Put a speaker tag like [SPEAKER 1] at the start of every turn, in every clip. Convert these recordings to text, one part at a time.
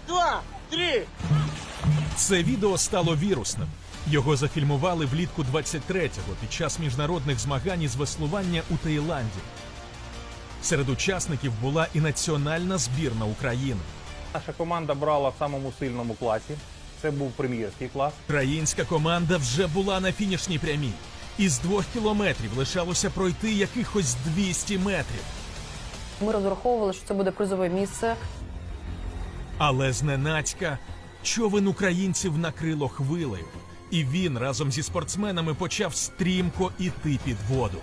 [SPEAKER 1] 2, 3.
[SPEAKER 2] Це відео стало вірусним. Його зафільмували влітку 23-го під час міжнародних змагань із веслування у Таїланді. Серед учасників була і національна збірна України.
[SPEAKER 3] Наша команда брала в самому сильному класі. Це був прем'єрський клас.
[SPEAKER 2] Українська команда вже була на фінішній прямій. Із 2 кілометрів лишалося пройти якихось 200 метрів.
[SPEAKER 4] Ми розраховували, що це буде призове місце.
[SPEAKER 2] Але зненацька човен українців накрило хвилею. І він разом зі спортсменами почав стрімко іти під воду.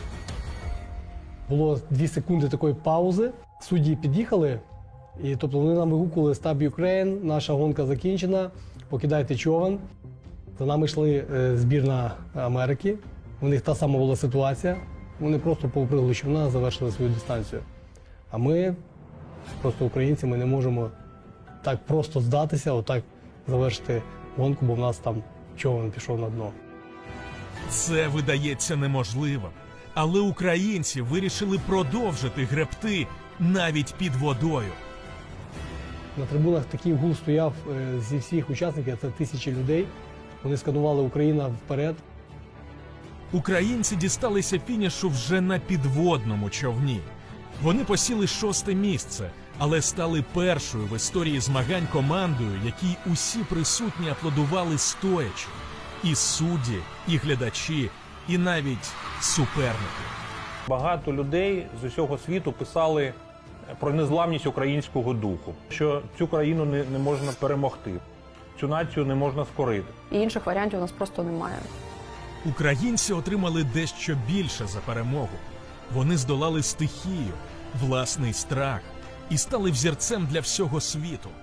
[SPEAKER 5] Було 2 секунди такої паузи. Судді під'їхали, і тобто вони нам вигукували «Stop Ukraine», наша гонка закінчена, покидайте човен. За нами йшли збірна Америки. У них та сама була ситуація. Вони просто повпригли човна, завершили свою дистанцію. А ми, просто українці, ми не можемо так просто здатися, отак завершити гонку, бо в нас там човен пішов на дно.
[SPEAKER 2] Це видається неможливим. Але українці вирішили продовжити гребти навіть під водою.
[SPEAKER 5] На трибунах такий гул стояв зі всіх учасників, це тисячі людей. Вони сканували «Україна вперед».
[SPEAKER 2] Українці дісталися фінішу вже на підводному човні. Вони посіли 6-те місце, але стали першою в історії змагань командою, якій усі присутні аплодували стоячи. І судді, і глядачі, і навіть суперники.
[SPEAKER 3] Багато людей з усього світу писали про незламність українського духу, що цю країну не можна перемогти, цю націю не можна скорити.
[SPEAKER 4] І інших варіантів у нас просто немає.
[SPEAKER 2] Українці отримали дещо більше за перемогу. Вони здолали стихію, власний страх і стали взірцем для всього світу.